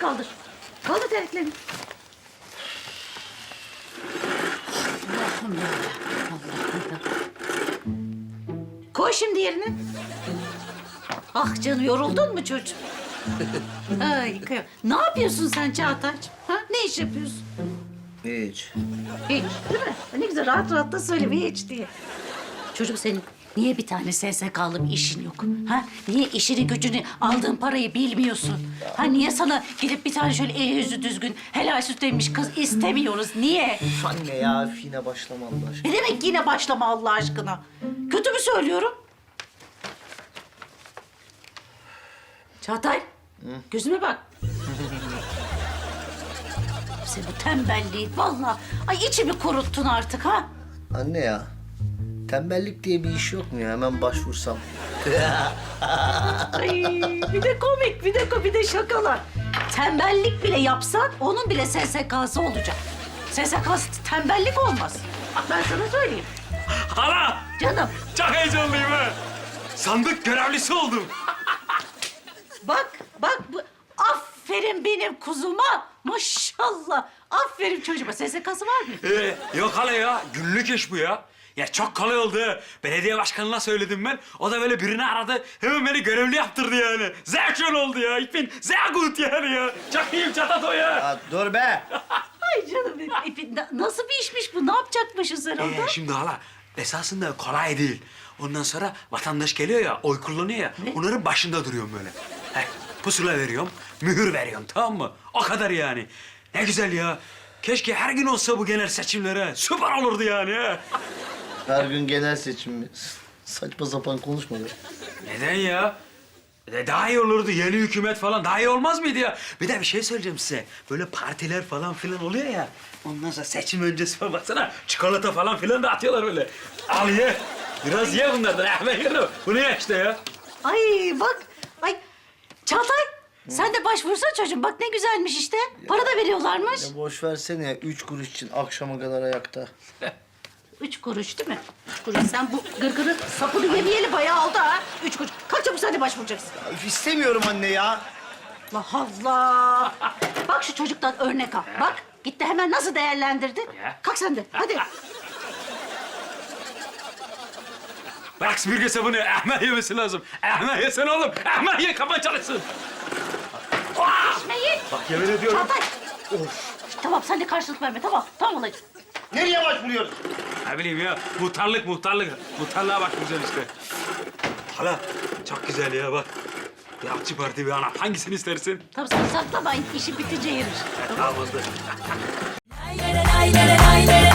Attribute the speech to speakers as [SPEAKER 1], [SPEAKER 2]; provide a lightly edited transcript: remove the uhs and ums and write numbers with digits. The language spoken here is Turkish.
[SPEAKER 1] kaldır. Kaldır terliklerini. Allah'ım ya. Allah'ım ya. Koy şimdi yerine. Ah canım, yoruldun mu çocuğum? Ay, kıyam. Ne yapıyorsun sen Çağatay'cığım? Ha? Ne iş yapıyorsun?
[SPEAKER 2] Hiç.
[SPEAKER 1] Hiç, değil mi? Ne güzel rahat rahat da söyle bir hiç diye. Çocuk senin niye bir tane SSK'lı bir işin yok? Ha? Niye işini gücünü aldığın parayı bilmiyorsun? Ha niye sana gidip bir tane şöyle eli yüzü düzgün helal süt emmiş kız istemiyoruz? Niye?
[SPEAKER 2] Üf anne ya, üf yine başlama Allah aşkına.
[SPEAKER 1] Ne demek yine başlama Allah aşkına? Kötü mü söylüyorum? Çağatay, gözüme bak. Sen bu tembelliğin vallahi. Ay içimi kuruttun artık ha.
[SPEAKER 2] Anne ya, tembellik diye bir iş yok mu ya? Hemen başvursam.
[SPEAKER 1] Ay, bir de komik, bir de şakalar. Tembellik bile yapsan onun bile SSK'sı olacak. SSK'sı tembellik olmaz. Bak ben sana söyleyeyim.
[SPEAKER 3] Hala!
[SPEAKER 1] Canım
[SPEAKER 3] Çok heyecanlıyım ha. Sandık görevlisi oldum.
[SPEAKER 1] bak bu. Aferin benim kuzuma. Maşallah. Aferin çocuğuma. SSK'sı var mı?
[SPEAKER 3] Yok hala ya. Günlük iş bu ya. Ya çok kolay oldu. Belediye başkanına söyledim ben. O da böyle birini aradı. Hemen beni görevli yaptırdı yani. Sehr schön oldu ya. Ich bin sehr gut yani ya. Çok iyiyim Çatato ya.
[SPEAKER 2] Ya dur be!
[SPEAKER 1] Ay canım benim. Nasıl bir işmiş bu? Ne yapacakmışsın sen orada?
[SPEAKER 3] Şimdi hala esasında kolay değil. Ondan sonra vatandaş geliyor ya, oy kullanıyor ya. Onların başında duruyorum böyle. Pusula veriyorum, mühür veriyorum, tamam mı? O kadar yani. Ne güzel ya. Keşke her gün olsa bu genel seçimler ha. Süper olurdu yani ha.
[SPEAKER 2] Her gün genel seçim mi? Saçma sapan konuşma be.
[SPEAKER 3] Neden ya? Daha iyi olurdu. Yeni hükümet falan daha iyi olmaz mıydı ya? Bir de bir şey söyleyeceğim size. Böyle partiler falan filan oluyor ya. Ondan sonra seçim öncesi falan baksana. Çikolata falan filan da atıyorlar böyle. Al ye. Biraz ye bunlardan. Ben yerim. Bu ne işte ya?
[SPEAKER 1] Ay bak. Ay Çağatay. Sen de başvursa çocuğum. Bak ne güzelmiş işte. Para da veriyorlarmış.
[SPEAKER 2] Ya boş versene ya, 3 kuruş için akşama kadar ayakta.
[SPEAKER 1] 3 kuruş değil mi? 3 kuruş. Sen bu gırgırın sapını yemeyeli bayağı oldu ha. 3 kuruş. Kalk çabuk sen de başvuracaksın.
[SPEAKER 2] Ya, üf, istemiyorum anne ya.
[SPEAKER 1] Allah Allah. Bak şu çocuktan örnek al. Bak gitti hemen nasıl değerlendirdi.
[SPEAKER 3] Ya.
[SPEAKER 1] Kalk sen de hadi.
[SPEAKER 3] Bırak süpürge sabunu. Ahmet yemesi lazım. Ahmet yesene oğlum. Ahmet ye kafan çalışsın.
[SPEAKER 1] İçmeyin.
[SPEAKER 3] Bak yemin ediyorum.
[SPEAKER 1] Çağatay. Tamam sen de karşılık verme tamam. Tamam olacak.
[SPEAKER 2] Nereye başvuruyoruz?
[SPEAKER 3] Ne bileyim ya. Muhtarlık. Muhtarlığa başvuracaksın işte. Hala çok güzel ya bak. Bir akçı parti bir ana. Hangisini istersin?
[SPEAKER 1] Tamam sen saklama işi bitince yeriz.
[SPEAKER 3] Tamam oldu.
[SPEAKER 4] Lay lay lay lay lay lay.